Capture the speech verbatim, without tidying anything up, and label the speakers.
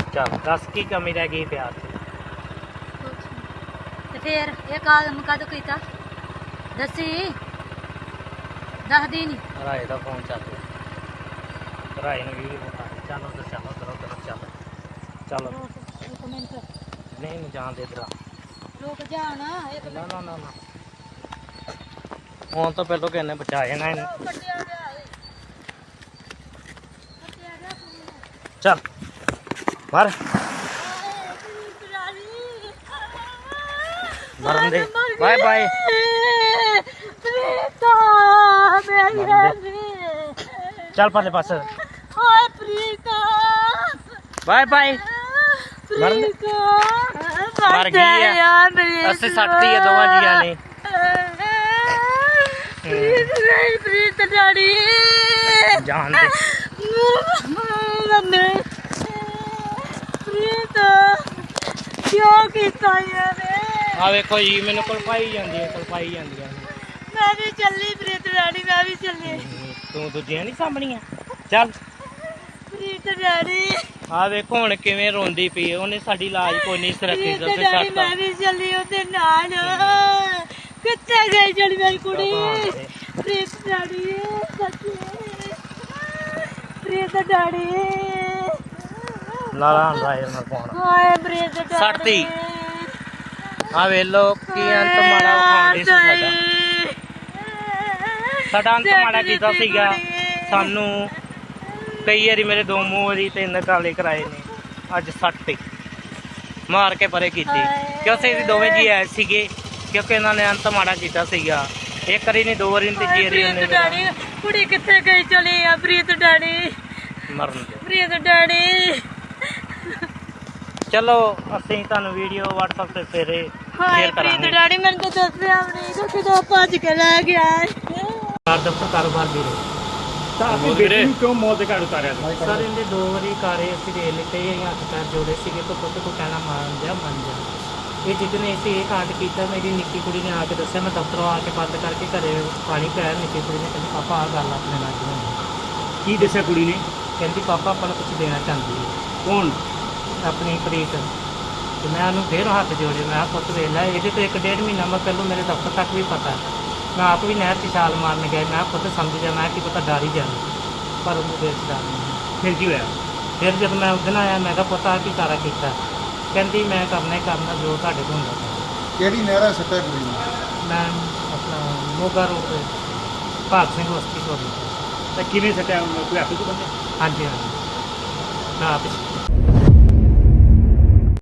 Speaker 1: ਚੱਲ ਦੱਸ ਕੀ ਕਮੀ ਰਹਿ ਗਈ ਪਿਆਰ ਚ?
Speaker 2: ਤੇ ਫੇਰ ਇਹ ਕੰਮ ਕਦੋਂ ਕੀਤਾ ਦੱਸੀ ਦੱਸਦੀ ਨਹੀਂ।
Speaker 1: ਰਾਏ ਦਾ ਫੋਨ ਚੱਲ ਰਿਹਾ, ਰਾਏ ਨੂੰ ਵੀਡੀਓ ਵਿਖਾ ਦੇ। ਚੱਲ ਉਧਰ ਚੱਲ, ਉਧਰ ਉਧਰ ਚੱਲ ਚੱਲ।
Speaker 2: ਇੱਕ ਮਿੰਟ
Speaker 1: ਨਹੀਂ ਨਹੀਂ ਜਾਣ ਦੇ ਇਧਰ।
Speaker 2: ਰੁਕ ਜਾ ਨਾ ਇੱਕ
Speaker 1: ਨਾ ਨਾ ਨਾ ਨਾ ਫੋਨ ਤੋਂ ਪਹਿਲਾਂ ਕਿਹਨੇ ਬਚਾ ਜਾਣਾ ਇਹਨੂੰ।
Speaker 2: ਕੱਟਿਆ ਗਿਆ ਏ ਕੱਟਿਆ ਗਿਆ
Speaker 1: ਚੱਲ ਮਰ ਮਰਨ ਦੇ। ਬਾਏ ਬਾਏ
Speaker 2: ਪ੍ਰੀਤਾ ਮੇਰੀ ਰਾਣੀ
Speaker 1: ਚੱਲ ਪਰਲੇ ਪਾਸੇ।
Speaker 2: ਹਾਏ ਪ੍ਰੀਤਾ
Speaker 1: ਬਾਏ ਬਾਏ। ਮਰਨ ਦੇ।
Speaker 2: ਪ੍ਰੀਤਾ
Speaker 1: ਮਰ ਗਈ ਆ। ਅਸੀਂ ਸੱਟਤੀ ਆ ਦੋਵਾਂ ਜੀਆਂ ਨੇ।
Speaker 2: ਪ੍ਰੀਤ ਨਹੀਂ ਪ੍ਰੀਤ ਡਾੜੀ
Speaker 1: ਜਾਣ ਦੇ।
Speaker 2: ਮੰਮੀ ਪ੍ਰੀਤ ਕਿਉਂ ਕੀਤਾ ਯਾਰ?
Speaker 1: ਆ ਵੇਖੋ ਜੀ ਮੈਨੂੰ ਕਲਪਾਈ ਜਾਂਦੀ ਹੈ, ਕਲਪਾਈ ਜਾਂਦੀਆਂ ਨੇ।
Speaker 2: ਮੈਂ ਵੀ ਚੱਲੀ ਪ੍ਰੀਤ ਡਾੜੀ ਮੈਂ ਵੀ ਚੱਲੀ।
Speaker 1: ਤੂੰ ਦੂਜੀਆਂ ਨਹੀਂ ਸਾਂਭਣੀਆਂ? ਚੱਲ
Speaker 2: ਪ੍ਰੀਤ ਡਾੜੀ
Speaker 1: ਆ ਵੇਖੋ ਹੁਣ ਕਿਵੇਂ ਰੋਂਦੀ ਪਈ। ਉਹਨੇ ਸਾਡੀ ਲਾਜ ਕੋਈ ਨਹੀਂ ਸੁਰੱਖੀ
Speaker 2: ਪ੍ਰੀਤ ਡਾੜੀ ਮੈਂ ਵੀ ਚੱਲੀ ਉਹਦੇ ਨਾਲ। ਕਿੱਥੇ ਗਈ ਜਿਹੜੀ ਮੇਰੀ ਕੁੜੀ? ਪ੍ਰੀਤ ਡਾੜੀ ਸੱਚੀ ਪ੍ਰੀਤ ਡਾੜੀ
Speaker 1: ਲਾਲਾ ਰਾਏ ਨਾਲ ਪਾਉਣ
Speaker 2: ਹਾਏ ਪ੍ਰੀਤ ਡਾੜੀ
Speaker 1: ਸੱਟਤੀ। ਆ ਵੇਲੋ ਕੀ ਅੰਤ ਮਾੜਾ ਵਿਖਾਉਂਦੇ ਸੀ ਸਾਡਾ। ਸਾਡਾ ਅੰਤ ਮਾੜਾ ਕੀਤਾ ਸੀਗਾ। ਸਾਨੂੰ ਕਈ ਵਾਰੀ ਮੇਰੇ ਦੋ ਮੂੰਹ ਵਾਰੀ ਤਿੰਨ ਕਾਲੇ ਕਰਾਏ ਨੇ। ਅੱਜ ਸੱਟ ਮਾਰ ਕੇ ਪਰੇ ਕੀਤੀ ਕਿਉਂਕਿ ਅਸੀਂ ਦੋਵੇਂ ਜੀ ਆਏ ਸੀਗੇ। ਕਿਉਂਕਿ ਇਹਨਾਂ ਨੇ ਅੰਤ ਮਾੜਾ ਕੀਤਾ ਸੀਗਾ। ਇੱਕ ਵਾਰੀ ਨਹੀਂ ਦੋ ਵਾਰੀ ਨਹੀਂ ਤੀਜੀ ਵਾਰੀ ਉਹਨੇ
Speaker 2: ਡਾੜੀ ਕੁੜੀ ਕਿੱਥੇ ਗਈ ਚਲੀ ਆ ਪ੍ਰੀਤ ਡਾੜੀ
Speaker 1: ਮਰਨ ਦੇ।
Speaker 2: ਪ੍ਰੀਤ ਡਾੜੀ
Speaker 1: ਚਲੋ ਅਸੀਂ ਤੁਹਾਨੂੰ ਵੀਡੀਓ WhatsApp ਤੇ ਫੇਰੇ
Speaker 2: ਹਾਏ
Speaker 1: ਸ਼ੇਅਰ
Speaker 2: ਪ੍ਰੀਤ
Speaker 1: ਕਰਾਂਗੇ।
Speaker 2: ਡਾੜੀ ਮੈਨੂੰ ਤਾਂ ਦੱਸਿਆ ਵੀ ਨਹੀਂ ਕਿਦੋਂ ਭੱਜ ਕੇ ਲੈ ਗਿਆ।
Speaker 1: ਕਾਰ ਦਫ਼ਤਰ ਕਾਰੋਬਾਰ ਵੀਰੇ।
Speaker 3: ਤਾਂ ਆਪਣੀ ਬੇਟੀ ਨੂੰ ਕਿਉਂ ਮੌਤ ਦੇ ਘਾਟ ਉਤਾਰਿਆ ਸੀ?
Speaker 1: ਸਰ ਇਹਦੇ ਦੋ ਵਾਰੀ ਕਾਰੇ ਅਸੀਂ ਦੇ ਲਿੱਤੇ। ਅਸੀਂ ਹੱਥ ਪੈਰ ਜੋੜੇ ਸੀਗੇ ਕਿ ਪੁੱਤ ਕੋ ਕਹਿਣਾ ਮੰਨ ਜਾ ਮੰਨ ਜਾ। ਇਹ ਜਿੱਦਨੇ ਅਸੀਂ ਇਹ ਕਾਂਡ ਕੀਤਾ ਮੇਰੀ ਨਿੱਕੀ ਕੁੜੀ ਨੇ ਆ ਕੇ ਦੱਸਿਆ। ਮੈਂ ਦਫ਼ਤਰੋਂ ਆ ਕੇ ਬੰਦ ਕਰਕੇ ਘਰੇ ਪਾਣੀ ਪਿਆ। ਨਿੱਕੀ ਕੁੜੀ ਨੇ ਕਹਿੰਦੀ ਪਾਪਾ ਆਹ ਗੱਲ ਆਪਣੇ ਨਾਲ ਕਿਉਂ ਹੋਈ?
Speaker 3: ਕੀ ਦੱਸਿਆ ਕੁੜੀ ਨੇ?
Speaker 1: ਕਹਿੰਦੀ ਪਾਪਾ ਆਪਾਂ ਨੂੰ ਕੁਝ ਦੇਣਾ ਚਾਹੁੰਦੀ ਹੈ।
Speaker 3: ਕੌਣ?
Speaker 1: ਆਪਣੀ ਪ੍ਰੀਤ। ਤੇ ਮੈਂ ਉਹਨੂੰ ਫੇਰ ਹੱਥ ਜੋੜੇ। ਮੈਂ ਕਿਹਾ ਪੁੱਤ ਵੇਖ ਲੈ ਇਹਦੇ ਤੋਂ ਇੱਕ ਡੇਢ ਮਹੀਨਾ ਮੈਂ ਪਹਿਲੋਂ ਮੇਰੇ ਦਫ਼ਤਰ ਤੱਕ ਵੀ ਪਤਾ। ਮੈਂ ਆਪ ਵੀ ਨਹਿਰ 'ਚ ਛਾਲ ਮਾਰਨ ਗਿਆ। ਮੈਂ ਖੁਦ ਸਮਝ ਗਿਆ ਮੈਂ ਕੀ ਪਤਾ ਡਰ ਹੀ ਜਾਣਾ। ਪਰ ਉਹਨੂੰ ਦੇਰ 'ਚ ਡਰ ਨਹੀਂ।
Speaker 3: ਫਿਰ ਕੀ ਹੋਇਆ?
Speaker 1: ਫਿਰ ਜਦ ਮੈਂ ਉਸ ਦਿਨ ਆਇਆ ਮੈਂ ਕਿਹਾ ਪੁੱਤ ਆਹ ਕੀ ਸਾਰਾ ਕੀਤਾ? ਕਹਿੰਦੀ ਮੈਂ ਕਰਨਾ ਹੀ ਕਰਨਾ ਜੋ ਤੁਹਾਡੇ ਕੋਲ ਹੁੰਦਾ।
Speaker 4: ਕਿਹੜੀ ਨਹਿਰਾ ਸੱਟਿਆ ਕੁੜੀ ਨੂੰ?
Speaker 1: ਮੈਂ ਆਪਣਾ ਮੋਗਾ ਰੋਡ ਭਾਗ ਸਿੰਘ ਬਸਤੀ ਕੋਲ।
Speaker 3: ਤਾਂ ਕਿਵੇਂ ਸੱਟਿਆ? ਕੋਈ ਹੱਥ ਤੋਂ ਬੰਦੇ?
Speaker 1: ਹਾਂਜੀ ਹਾਂਜੀ ਮੈਂ ਆਪ